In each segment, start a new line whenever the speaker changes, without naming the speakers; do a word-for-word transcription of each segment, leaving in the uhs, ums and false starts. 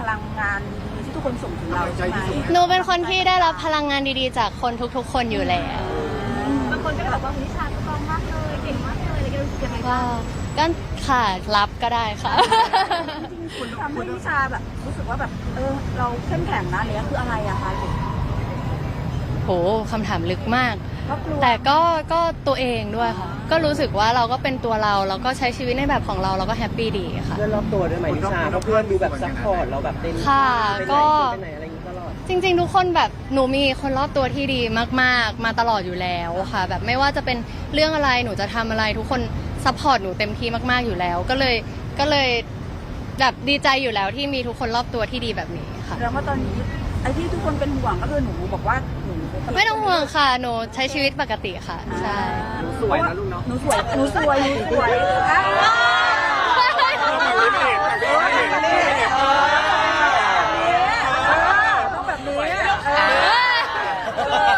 พลังงานดีๆที่ทุกคนส่งถึงเราใช่ไหม
หนูเป็นคนที่ได้รับพลังงานดีๆจากคนทุกๆคนอยู่แล้ว
บางคนก็แบบว่านิชาสตรองมากเลยเก่งมากเลยอะไรกันรู้สึกยังไง
ก็
บ้าง
ก็ค่ะรับก็ได้ค่ะ
คุณทำให้นิชาแบบรู้สึกว่าแบบเออเราเข้มแข็งนะเนี่ยคืออะไรอะคะ
โหคำถามลึกมาก
ก็กลัว
แต่ก็ก็ตัวเองด้วยค่ะ ก็รู้สึกว่าเราก็เป็นตัวเราแล้วก็ใช้ชีวิตในแบบของเราเราก็แฮปปี้ดีค่ะ
เพื่อนรอบตัวด้วยไหมนิชาเพราะเพื่อนดูแบบซัพพอร์ตเราแบบเต็มที่
ค่ะ
ไปไหน
ก็
ไปไหนอะไรอย่างนี้ตลอด
จริงๆ ทุกคนแบบหนูมีคนรอบตัวที่ดีมากๆ มาตลอดอยู่แล้วค่ะ แบบไม่ว่าจะเป็นเรื่องอะไรหนูจะทำอะไรทุกคนซัพพอร์ตหนูเต็มที่มากๆอยู่แล้ว ก็เลยก็เลยแบบดีใจอยู่แล้วที่มีทุกคนรอบตัวที่ดีแบบนี้ค่ะ
แล้วว่าตอนนี้ไอ้ที่ทุกคนเป็นห่วงก็คือหนูบอกว่าหนู
ไม่ต้องห่วงค่ะหนูใช้ชีวิตปกติค่ะใช่
หนูสวยนะลูกเนาะ
หนูสวยหนูสวยหนูสวยอ่ะต้องแบบนี้เออง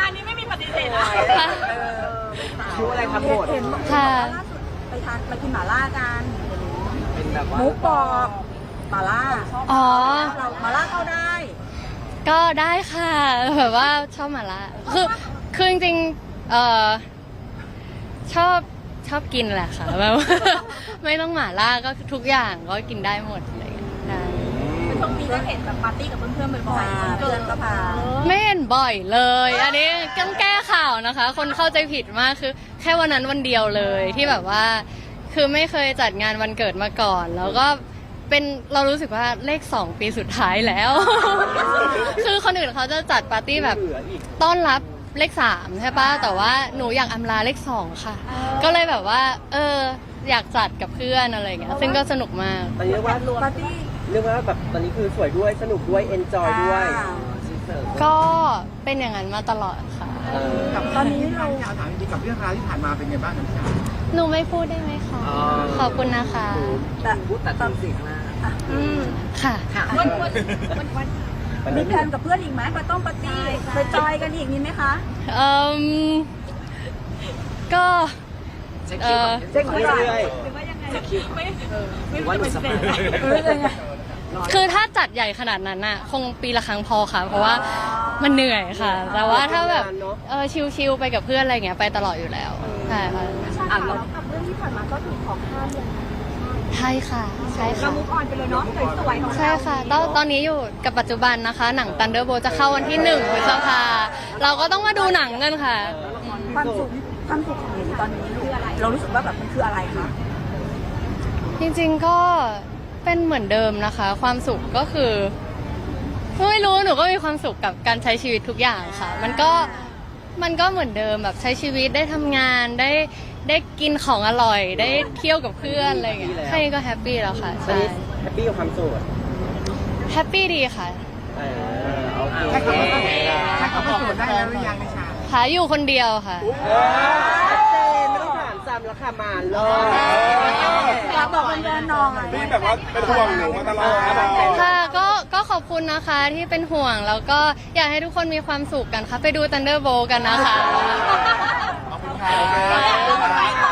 านนี้ไม่มีปฏิเสธเลย
คิวอะไรครับหมด
เห็นบอก
ค่ะ
ว่าล่าสุดไปทานไปกินหม่าล่ากัน
เป็นแบบว่า
หมูกรอบหม่าล่า
อ๋อ
เราหม่าล่าเข้าได้
ก็ได้ค่ะแบบว่าชอบหมาล่าคือคือจริงๆเอ่อชอบชอบกินแหละค่ะแบบว่าไม่ต้องหมาล่าก็ทุกอย่างก็กินได้หมดเลยใช่
ช่วงนี้ก็เห็นแบบปาร์ตี้กับเพื่อนๆบ่อยๆ
เกินก็พา
ไม่เห็นบ่อยเลย อันนี้ต้องแก้ข่าวนะคะ คนเข้าใจผิดมากคือแค่วันนั้นวันเดียวเลยที่แบบว่า คือไม่เคยจัดงานวันเกิดมาก่อน แล้วก็เป็นเรารู้สึกว่าเลขสองปีสุดท้ายแล้ว คือคนอื่นเขาจะจัดปาร์ตี้แบบ
เหลืออีก
ต้อนรับเลขสามใช่ปะแต่ว่าหนูอยากอำลาเลขสองค่ะ ก็เลยแบบว่า เออ อยากจัดกับเพื่อนอะไรอย่างเงี้ยซึ่งก็สนุกมาก
ตอนนี้เรียกว่า
ปาร์ตี้
เรียกว่าแบบตอนนี้คือสวยด้วยสนุกด้วยเอนจอยด้วย
อ่า
ก็เป็นอย่างนั้นมาตลอดค่ะ
เออ
กับตอนนี้เรา
อยากถามจริงๆกับเรื่องราวที่ผ่านมาเป็นไงบ้างครับพี่ชา
หนูไม่พูดได้ไหมคะ ขอบคุณนะคะ
แต่
พูดแต่ตอนสิ่งหน้า
อืมค่ะ
วันวันวันวัน
วัน
มี
นี้
แพลนกับเพื่อนอีกไหมไปต้องปาร์ตี้ไปจอยกันอีกมีไหมคะ
เอ่มก็เออ
เช็ค
เรื่
เรื่อย
อย
หรือว่ายังไงไม่ไม่
ๆว่าหนู
ปฏิ
ส
เส
บาย
ธ
เออยังไง
คือถ้าจัดใหญ่ขนาดนั้นน่ะ คงปีละครั้งพอค่ะ เพราะว่ามันเหนื่อยค่ะ แต่ว่าถ้าแบบเออชิลๆไปกับเพื่อนอะไรเงี้ยไปตลอดอยู่แล้วใช่ค่ะ
อ่านแล้วกับเรื่องที่ผ่านมาก็ถูกของห้ามเลย
ใช่ค่ะใช่
เรา
ค่ะ
มุกออนไปเลยเนาะสวยๆของเรา
ใช่ค่ะตอนตอนนี้อยู่กับปัจจุบันนะคะ หนัง Thunderbolt จะเข้าวันที่หนึ่งพฤษภาเราก็ต้องมาดูหนังกันค่ะ
ความสุขความสุขของหนูตอนนี้คืออะไร เรารู้สึกว่าแบบมันคืออะไรคะ
จริงๆก็เป็นเหมือนเดิมนะคะ ความสุขก็คือไม่รู้หนูก็มีความสุขกับการใช้ชีวิตทุกอย่างค่ะ มันก็มันก็เหมือนเดิมแบบใช้ชีวิตได้ทำงานได้ได้กินของอร่อย ได้เที่ยวกับเพื่อนอะไรอย่างเงี้ยแค่นี้ก็แฮปปี้แล้วค่ะ
ตอน
ใช่
นี้แฮปปี้กับความโสด
แฮปปี้ดีค่ะ
เออโอเค
ถ้าเขาถ้าเขาประกวดได้แล้วหรือยังนิชา
หาอยู่คนเดียวค่ะ
ชัดเจนไม่ต้องถามซ้ำแล้วค่ะมาเลย
ฝากบอกแฟนๆหน่อย
นี่แบบว่าเป็นห่วงหนูมาตลอด
ค่ะก็ก็ขอบคุณนะคะที่เป็นห่วงแล้วก็อยากให้ทุกคนมีความสุขกันค่ะ ไปดู Thunderbolt กันนะคะ
ขอบคุณค่ะ